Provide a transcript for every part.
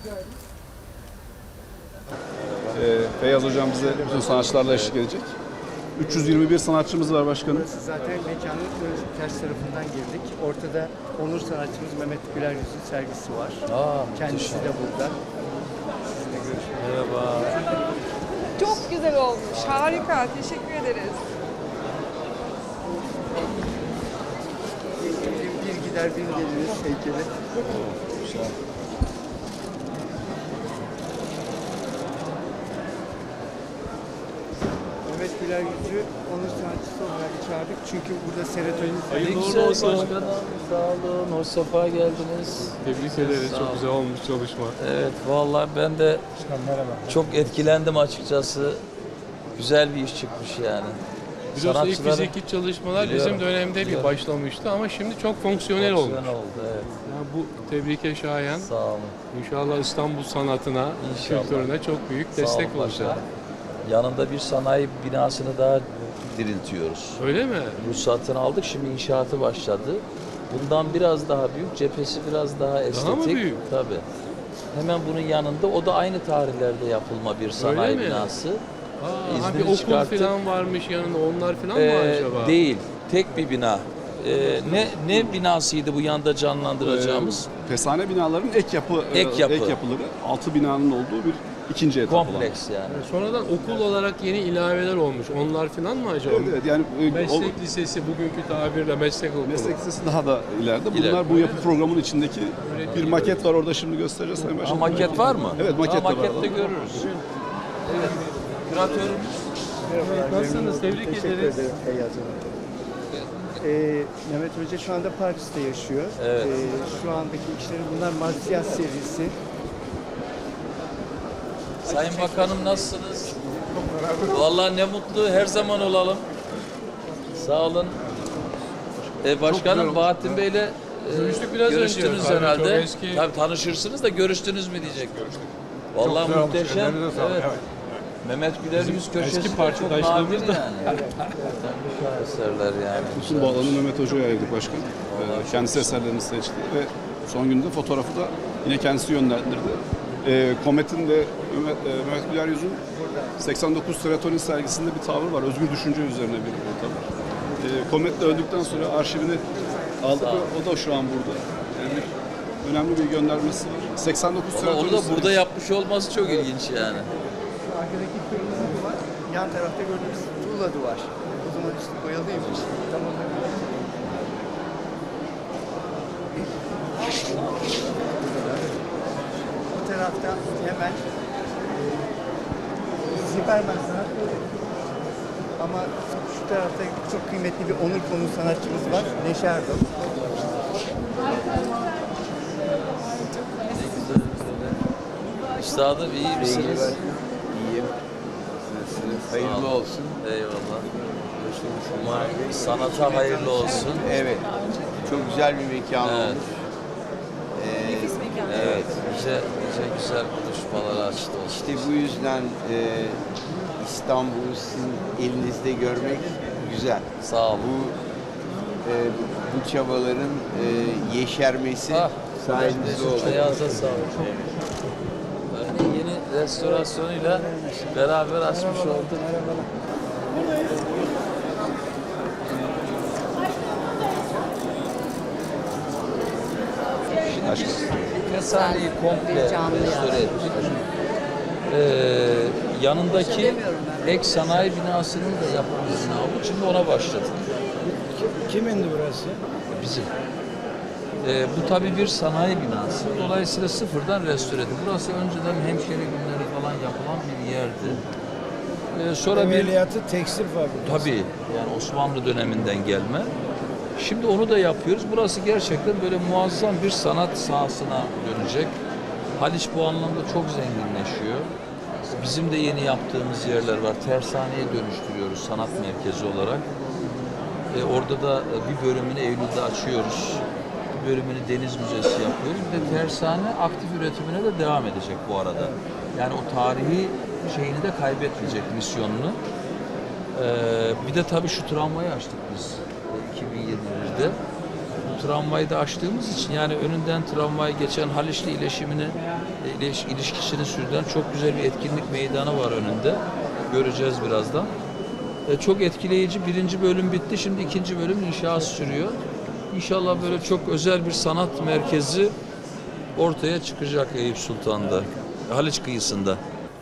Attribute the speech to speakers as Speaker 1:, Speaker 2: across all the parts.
Speaker 1: Feyyaz Hocam bize bütün sanatçılarla eşlik edecek. 321 sanatçımız var başkanım.
Speaker 2: Burası zaten mekanın ters tarafından girdik. Ortada onur sanatçımız Mehmet Güler Yüz'ün sergisi var. Kendisi de burada. Sizinle görüşmek üzere.
Speaker 3: Merhaba.
Speaker 4: Çok güzel olmuş. Harika. Teşekkür ederiz.
Speaker 2: Bir gider bir geliriz heykeli. Mehmet Güler Yüz'ü onur sanatçısı olarak çağırdık. Çünkü burada serotonin...
Speaker 3: Hayırlı uğurlu olsun başkanım. Sağ olun. Hoş sefa geldiniz.
Speaker 5: Tebrik ederiz. Çok güzel olmuş çalışma.
Speaker 3: Evet vallahi ben de çok etkilendim açıkçası. Güzel bir iş çıkmış yani.
Speaker 5: Biliyorsun ilk fiziki çalışmalar bizim dönemde bir başlamıştı ama şimdi çok fonksiyonel olmuş.
Speaker 3: oldu evet.
Speaker 5: Yani bu tebrike şayan.
Speaker 3: Sağ olun.
Speaker 5: İnşallah İstanbul sanatına,
Speaker 3: İnşallah.
Speaker 5: kültürüne çok büyük
Speaker 3: Sağ
Speaker 5: destek
Speaker 3: olun
Speaker 5: olacak.
Speaker 3: başkanım. Yanında bir sanayi binasını daha diriltiyoruz.
Speaker 5: Öyle mi?
Speaker 3: Ruhsatını aldık, şimdi inşaatı başladı. Bundan biraz daha büyük, cephesi biraz daha estetik.
Speaker 5: mı büyük?
Speaker 3: Tabii. Hemen bunun yanında, o da aynı tarihlerde yapılma bir sanayi
Speaker 5: mi?
Speaker 3: binası.
Speaker 5: Aa, bir okul falan varmış yanında, onlar falan mı acaba?
Speaker 3: Değil, tek bir bina. Ne binasıydı bu yanda canlandıracağımız?
Speaker 1: Fesane binaların ek yapıları 6 binanın olduğu bir ikinci etap olan.
Speaker 3: Kompleks yani.
Speaker 5: Sonradan okul olarak yeni ilaveler olmuş. Onlar falan mı acaba?
Speaker 1: Evet, yani
Speaker 5: Meslek lisesi, bugünkü tabirle meslek okulu.
Speaker 1: meslek lisesi daha da ileride. Bunlar
Speaker 3: İleride.
Speaker 1: bu yapı programının içindeki bir maket var, orada şimdi göstereceğiz Sayın
Speaker 3: Ha,
Speaker 1: Başkanım.
Speaker 3: maket var mı?
Speaker 1: Evet, maket de var.
Speaker 3: Makette görürüz. Evet. Küratörümüz.
Speaker 5: Nasılsınız? Tebrik
Speaker 2: Teşekkür
Speaker 5: ederiz.
Speaker 2: ederim Feyyaz Hanım. Mehmet Hoca şu anda Paris'te yaşıyor.
Speaker 3: Evet.
Speaker 2: Şu andaki işleri bunlar Marsiyas serisi.
Speaker 3: Sayın Bakanım nasılsınız? Vallahi ne mutlu, her zaman olalım. Sağ olun. Başkanım Bahattin Bey'le
Speaker 5: Görüştük biraz
Speaker 3: görüştünüz
Speaker 5: önce. Tabii,
Speaker 3: herhalde.
Speaker 5: çok eski.
Speaker 3: Tabii tanışırsınız da görüştünüz mü diyecek. Vallahi muhteşem. Evet. Mehmet Güler Yüz köşesi
Speaker 5: Eski
Speaker 3: de
Speaker 5: partidaşlığımız
Speaker 3: çok
Speaker 5: da.
Speaker 3: nadir yani. Eserler yani.
Speaker 1: Bütün bu alanı Mehmet Hoca'ya ayırdık başkanım. Kendisi eserlerini seçti ve son günde fotoğrafı da yine kendisi yönlendirdi. Komet'in de Mehmet Güler Yüz'ün 89 serotonin sergisinde bir tavır var. Özgür düşünce üzerine bir tavır. Komet de öldükten sonra arşivini aldık ve o da şu an burada. Yani önemli bir göndermesi var. 89
Speaker 3: Vallahi
Speaker 1: serotonin
Speaker 3: onu da
Speaker 1: sergisi.
Speaker 3: burada yapmış olması çok ilginç yani.
Speaker 2: Arkadaki kırmızı duvar, yan tarafta gördüğümüz tuğla duvar. O zaman üstü boyalıymış. Tamam. Bu tarafta hemen Ziberman sanat. Ama şu tarafta çok kıymetli bir onur konu sanatçımız var. Neşe Erdal.
Speaker 3: Üstadım iyi misiniz?
Speaker 6: İyiyim. Nasılsınız? Hayırlı olsun.
Speaker 3: Eyvallah. Sanata hayırlı olsun.
Speaker 6: Evet. Çok güzel bir mekan
Speaker 3: Evet.
Speaker 6: olmuş.
Speaker 3: Evet. Nice güzel buluşmalar açtı olsun.
Speaker 6: İşte bu yüzden İstanbul'u sizin elinizde görmek güzel.
Speaker 3: Sağ olun.
Speaker 6: Bu çabaların yeşermesi sayenizde oldu.
Speaker 3: Ayağınıza sağlık. Örneğin yeni restorasyonuyla beraber açmış olduk. Kesaneyi komple restore ettik. Yanındaki ek sanayi binasının da yapılmasını aldık. Şimdi ona başladık.
Speaker 7: Kimindi burası?
Speaker 3: Bizim. Bu tabii bir sanayi binası. Dolayısıyla sıfırdan restore edildi. Burası önceden hemşire günleri falan yapılan bir yerdi. Sonra bir
Speaker 7: Ameliyatı tekstil fabrikası.
Speaker 3: tabii yani Osmanlı döneminden gelme. Şimdi onu da yapıyoruz. Burası gerçekten böyle muazzam bir sanat sahasına dönecek. Haliç bu anlamda çok zenginleşiyor. Bizim de yeni yaptığımız yerler var. Tersaneye dönüştürüyoruz sanat merkezi olarak. Orada da bir bölümünü Eylül'de açıyoruz. Bir bölümünü Deniz Müzesi yapıyoruz. Bir de tersane aktif üretimine de devam edecek bu arada. Yani o tarihi şeyini de kaybetmeyecek, misyonunu. Bir de tabii şu tramvayı açtık biz 2021'de. Bu tramvayı da açtığımız için yani önünden tramvay geçen Haliçli ilişkisini sürdüren çok güzel bir etkinlik meydanı var önünde. Göreceğiz birazdan. Çok etkileyici. Birinci bölüm bitti. Şimdi ikinci bölüm inşaat sürüyor. İnşallah böyle çok özel bir sanat merkezi ortaya çıkacak Eyüp Sultan'da, Haliç kıyısında.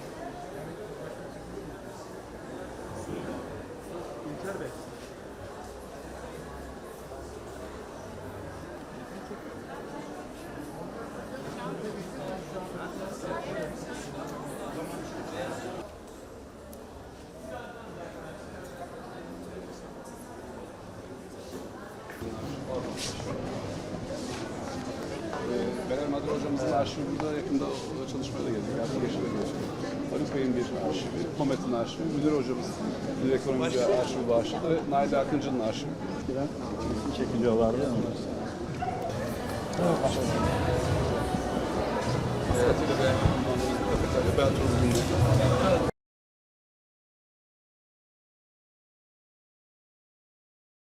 Speaker 1: Beler Madra hocamızın arşivi burada yakında çalışmaya da geldik. Arkadaşlar da geçti. Haluk Bey'in bir arşivi, Komet'in arşivi, Müdür hocamız bir ekonomici arşivi bağışladı ve Nail Akıncı'nın arşivi.
Speaker 8: Çekiliyorlardı ya.
Speaker 1: Evet. Ben